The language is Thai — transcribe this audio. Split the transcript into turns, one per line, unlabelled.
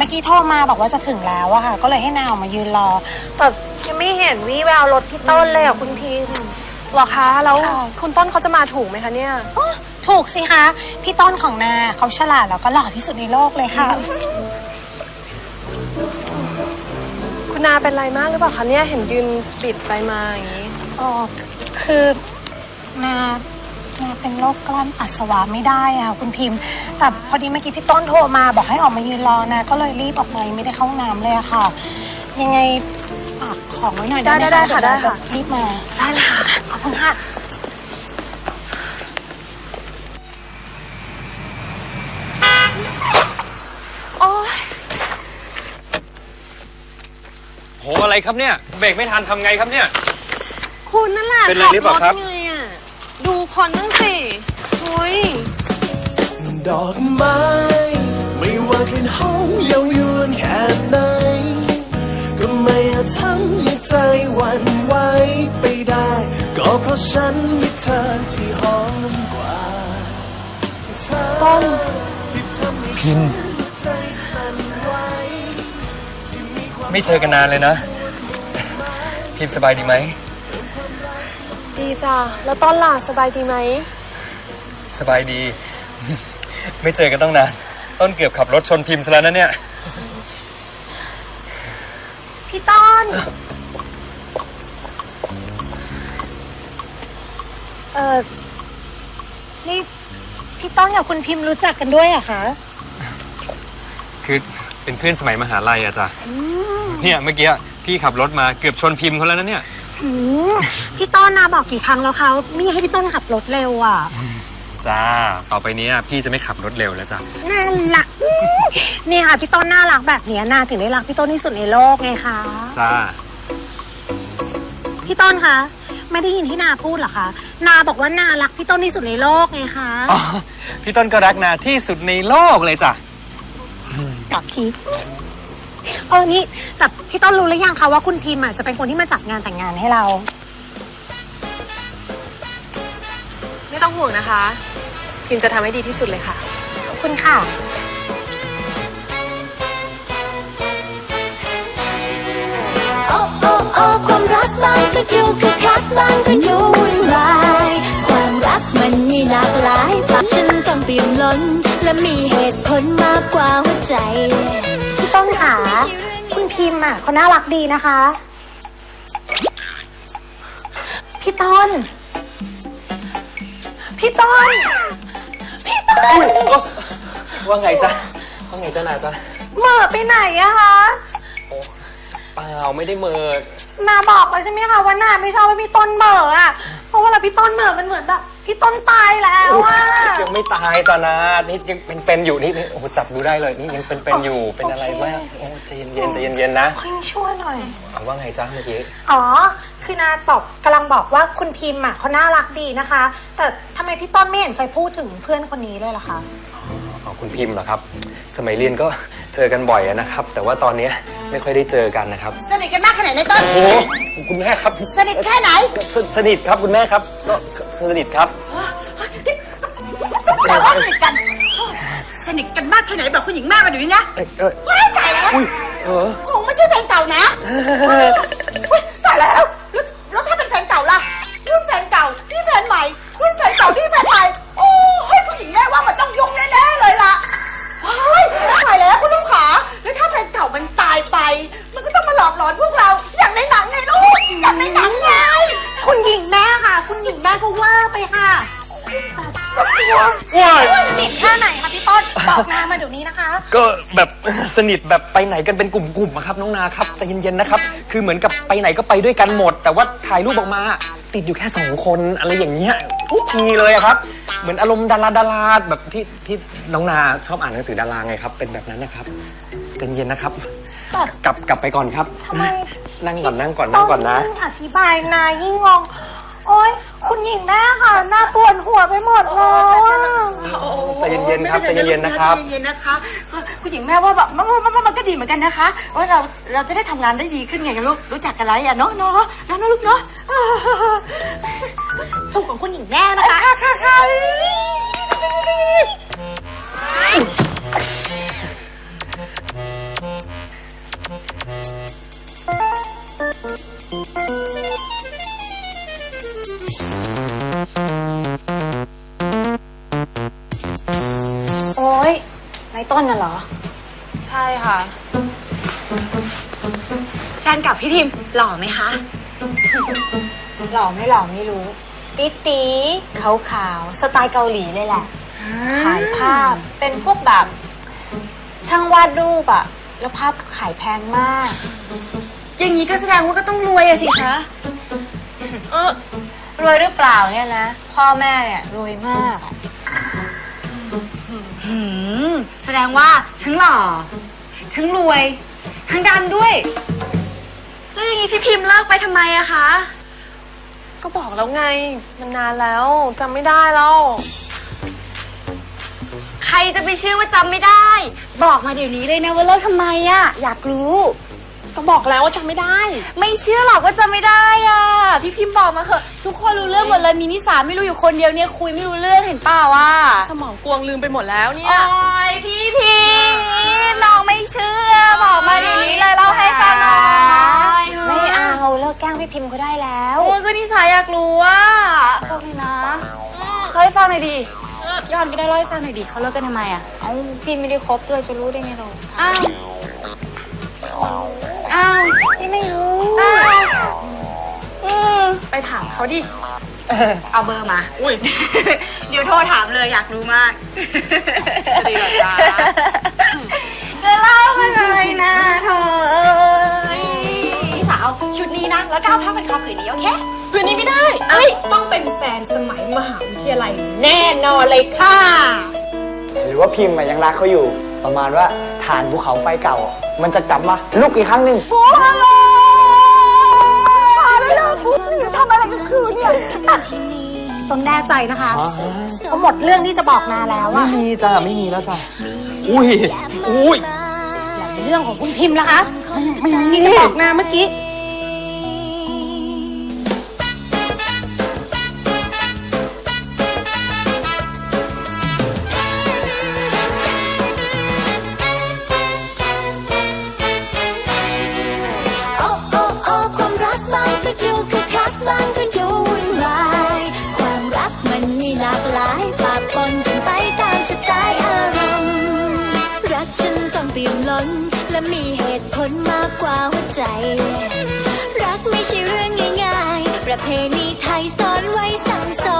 อกี้โทรมาบอกว่าจะถึงแล้วอะค่ะก็เลยให้นาออกมายืนรอแต่ยังไม่เห็นวี่แววรถพี่ต้นเลยอะคุณพิม
หรอคะแล้วคุณต้นเขาจะมาถูกไหมคะเนี่ย
ถูกสิคะพี่ต้นของนาเขาฉลาดแล้วก็หล่อที่สุดในโลกเลยค่ะ
คุณนาเป็นไรมากหรือเปล่าคะเนี่ยเห็นยืนปิดไปมาอย่างนี้
อ๋อคือนาเป็นโรคกลั้นปัสสาวะไม่ได้อะคุณพิมพ์แต่พอดีเมื่อกี้พี่ต้นโทรมาบอกให้ออกมายืนรอนะก็เลยรีบออกมาไม่ได้เข้าห้องน้ำเลยอะค่ะยังไงฝากของไว้หน่อยได้ไหมคะ
ได้ค่ะได้ค่ะ
รีบมา
ได้เลยค่ะ
ขอบคุณค่ะ
โอ้ย
โหอะไรครับเนี่ยเบรกไม่ทันทำไงครับเนี่ย
คุณนั่นแหละ
เป็นอะไรหรือเปล่าครับ
ดูคนนั่งสิโอ้ย
ดอกไม้ไม่ว่ากลิ่นหอมเย้ายวนแค่ไหนก็ไม่อาจทำให้ใจหวั่นไหวไปได้ก็เพราะฉันมีเธอที่หอมกว่า
ต้น
พิมไม่เจอกันนานเลยนะพิมสบายดีไหม
ดีจ้ะแล้วต้นล่ะสบายดีไหม
สบายดีไม่เจอกันต้องนานต้นเกือบขับรถชนพิมซะแล้วนะเนี่ย
พี่ต้นนี่พี่ต้นกับคุณพิมรู้จักกันด้วยอะคะ
คือเป็นเพื่อนสมัยมหาลัยอะจ้ะเนี่ยเมื่อกี้พี่ขับรถมาเกือบชนพิมเขาแล้วนะเนี่ย
พี่ต้นนาบอกกี่ครั้งแล้วเขาไม่ให้พี่ต้นขับรถเร็วอ่ะ
จ้าต่อไปนี้พี่จะไม่ขับรถเร็วแล้วจ้ะ
น่ารักเนี่ยค่ะพี่ต้นน่ารักแบบนี้นาถึงได้รักพี่ต้นที่สุดในโลกไงคะ
จ้า
พี่ต้นคะไม่ได้ยินที่นาพูดเหรอคะนาบอกว่านารักพี่ต้นที่สุดในโลกไงคะ
อ๋อพี่ต้นก็รักนาที่สุดในโลกเลยจ้ะ
กลับทีนี่แต่พี่ต้นรู้หรือยังคะว่าคุณพิมจะเป็นคนที่มาจัดงานแต่งงานให้เรา
ไม่ต้องห่วงนะคะพิมจะทำให้ดีที่สุดเลยค่ะ
ขอบคุณค่ะ
โอ้โอ้โอ้ความรักบางก็ดูคึกคักบางก็ดูวุ่นวายความรักมันมีหลากหลายปากฉันต้องเปี่ยมล้นและมีเหตุผลมากกว่าหัวใจ
พี่ต้นค่ะคุณพิมเขาน่ารักดีนะคะพี่ต้น
ว่าไงจ๊ะนาจ๊ะ
เหม่อไปไหนอะคะ
โอ้เปล่าไม่ได้เหม่อ
นาบอกแล้วใช่ไหมคะว่านาไม่ชอบให้พี่ต้นเหม่ออะเพราะว่าพี่ต้นเหม่อมันเหมือนแบบพี่ต้นตายแล้วอะ
ยังไม่ตายจ้ะนานี่ยังเป็นอยู่นี่โอ้จับดูได้เลยนี่ยังเป็นอยู่เป็นอะไรมากโอ้ใจเย็นนะ
ค่อยช่วยหน่อย
ว่าไงจ๊ะเมื่อกี้
คือนากำลังบอกว่าคุณพิมเขาน่ารักดีนะคะแต่ทำไมพี่ต้นไม่เห็นเคยพูดถึงเพื่อนคนนี้เลยล่ะคะ
คุณพิมเหรอครับสมัยเรียนก็เจอกันบ่อยนะครับแต่ว่าตอนนี้ไม่ค่อยได้เจอกันนะครับ
สนิทกันมากขนาดไหนต้น
โอ้คุณแม่ครับ
สนิทแค่ไหน
สนิทครับคุณแม่ครับก็สนิทครับ
แต่ว่าสนิทกันมากแค่ไหนบอกคุณหญิงมากกันอยู่นี่นะว้ายตายแล้วคงไม่ใช่แฟนเก่านะตายแล้วถ้าเป็นแฟนเก่าล่ะรุ่นแฟนเก่าที่แฟนใหม่รุ่นแฟนเก่าที่แฟนใหม่โอ้ยคุณหญิงแม่ว่ามันต้องยุ่งแน่ๆเลยล่ะตายแล้วคุณลูกขาแล้วถ้าแฟนเก่ามันตายไปมันก็ต้องมาหลอกหลอนพวกเราอย่างในหนังไงลูกอย่างในหนังไงคุณหญิงแม่ค่ะคุณหญิงแม่ก็ว่าไปค่ะสนิทแค่ไหนคะพี่ต้นบอกนามาเดี๋ยวนี้นะคะ
ก็แบบสนิทแบบไปไหนกันเป็นกลุ่มๆครับน้องนาครับใจเย็นๆนะครับคือเหมือนกับไปไหนก็ไปด้วยกันหมดแต่ว่าถ่ายรูปออกมาติดอยู่แค่2 คนอะไรอย่างเงี้ยทุกทีเลยครับเหมือนอารมณ์ดาราแบบที่น้องนาชอบอ่านหนังสือดาราไงครับเป็นแบบนั้นนะครับใจเย็นนะครับกลับไปก่อนครับนั่งก่อนนะ
อธิบายนายิ่งงงโอ๊ยคุณหญิงแม่ค่ะหน้าปวดหัวไปหมดเลย
ใจเย็นๆครับใจเย็นๆนะครับ
ใจเย็นๆนะคะคุณหญิงแม่ว่าแบบมันก็ดีเหมือนกันนะคะว่าเราจะได้ทำงานได้ดีขึ้นไงลูกรู้จักกันไรอ่ะเนาะลูกเนาะถูกของคุณหญิงแม่นะคะค่ะ
โอ๊ยในต้นน่ะเหรอ
ใช่ค่ะ
แฟนกับพี่พิมพ์หล่อไหมคะ หล่อไม่หล่อไม่รู้ ติ๊ตีขาวขาวๆสไตล์เกาหลีเลยแหละ ขายภาพเป็นพวกแบบ ช่างวาดรูปอะแล้วภาพก็ขายแพงมาก อย่างนี้ก็แสดงว่าก็ต้องรวยอะสิคะรวยหรือเปล่าเนี่ยนะ พ่อแม่เนี่ยรวยมากอะแสดงว่าทั้งหล่อทั้งรวยทั้งดังด้วย แล้วอย่างนี้พี่พิมพ์เลิกไปทำไมอะคะ
ก็บอกแล้วไง มันนานแล้วจำไม่ได้แล้ว
ใครจะไปเชื่อว่าจำไม่ได้ บอกมาเดี๋ยวนี้เลยนะว่าเลิกทำไมอะอยากรู้
ก็บอกแล้วว่าจำไม่ได้
ไม่เชื่อหรอกว่าจำไม่ได้อ่ะ พี่พิมพ์บอกมาเถอะทุกคนรู้เรื่องหมดเลยมีนิสาไม่รู้อยู่คนเดียวเนี่ยคุยไม่รู้เรื่องเห็นเปล่าอ่ะ
สมองกวงลืมไปหมดแล้วเนี่ย
โอ้ยพี่พิมพ์น้องไม่เชื่อบอกมาเดี๋ยวนี้เลยเล่าให้ฟังหน่อยไม่เอาเลิกแกล้งพี่พิมพ์ก็ได้แล้วโอ้ยก็นิสาอยากรู้อ่ะฟังเลยนะเล่าให้ฟังหน่อยดิย้อนก็ได้เล่าให้ฟังหน่อยดิเขาเลิกกันทำไมอ่ะเอ้าพี่ไม่ได้คบด้วยจะรู้ได้ไงเราอ้าวพี่ไม่รู้
ไปถามเขาดิ
เอาเบอร์มา อุ้ย เดี๋ยวโทรถามเลยอยากรู้มาก
จะดีเหรอจ๊ะ
จะเล่าอะไรนะเธอพี่สาวชุดนี้นะ แล้วก็เอาผ้าพันคอผืนนี้โอเค
คืนนี้ไม่ได้
ต้องเป็นแฟนสมัยมหาวิทยาลัยแน่นอนเลยค่ะ
หรือว่าพิมพ์อะยังรักเขาอยู่ ประมาณว่าฐานภูเขาไฟเก่าอะมันจะกลับมาลุกอีกครั้งหนึ่ง
โอ้ฮัลโหลอะไรล่ะทำอะไรกันคืนเนี่ยต้องแน่ใจนะคะเขาหมดเรื่องที่จะบอกนาแล้ว
ไม่
อะ
มีจ้าไม่มีแล้วจ้าอุ้ยอุ้ย
เรื่องของคุณพิมพ์ล่ะคะไม่มีจะบอกนาเมื่อกี้
โอ้โอ้โอ้ความรักบางก็ดูคึกคักบางก็ดูวุ่นวายความรักมันมีหลากหลายปะปนกันไปตามสไตล์อารมณ์รักฉันต้องเปี่ยมล้นและมีเหตุผลมากกว่าหัวใจ รักไม่ใช่เรื่องง่ายๆประเพณีไทยสอนไว้สั่งสอ